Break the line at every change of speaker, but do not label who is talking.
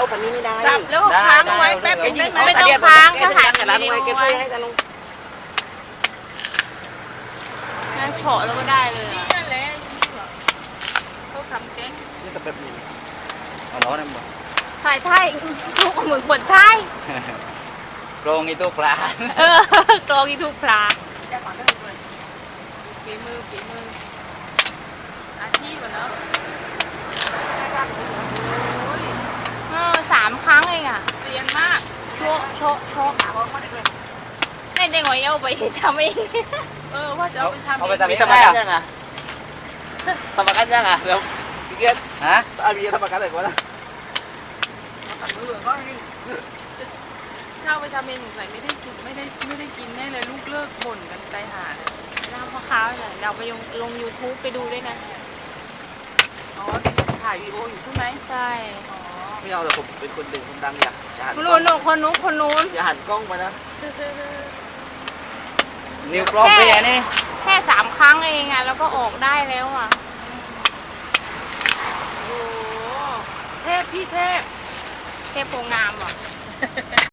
ปันนี้ไม่ได้
สับแล้วค้างไว้แป๊บนึงได้ไหม
ไม่ต้องค้างถ้าถ่าย
แต่ละ
วิ
ห
ดี
น่วย
โอ
เก็บ
ไว้
ให้จะลง
งั้นเฉาะแล้วก็ได้เลย
นี่
อะ
นั่นแหละเขาทำแกง
นี่ก็แบบนี้เอาล้อนั่นบ่
ถ่ายไทยลูกเหมือนคนไทย
โกรงอีตู้ปลา
กรองอีทุกพลา
แก้ก่อนเริ่มเลยฝีมืออาชีพอะเนาะโอ้ย
3 ครั้งเองอ่ะ
เซียนมาก
โชะโชะโชะในเด้งหอยเอาไปทำเอง
ว่าจะเอาไปทำ
เอาไปทำ
มี
เอง
ธรรม
ได้
กัน
อะ
ยังอ่ะธรรมกันยังอ่ะเดี๋ยวพี่เกียรติ
ฮะ
อาบีธรรมกันเลยก่อนนะ
ถ้าเอาไปทำเองใส่ไม่ได้กินไม่ได้กินแน่เลยลูกเลิกบ่นกันใจหาเลย
น้ำมะพร้าวเนี่ยเราไปลง YouTube ไปดูด้วยนะ
อ๋อเดี๋ยวจะถ่ายวีดีโออยู่ใช่ไหม
ใช่
อ๋อ
ไม่เอาแต่ผมเป็นคนดึงคนดังอย่าหัน
คนนู้น
อย่าหันกล้องมานะ
นิ้วกล้องไปอันนี้
แค่ 3 ครั้งเองอ่ะแล้วก็ออกได้แล้วอ่ะ
โอ้เทพพี่เทพ
เทพโพงามเหรอ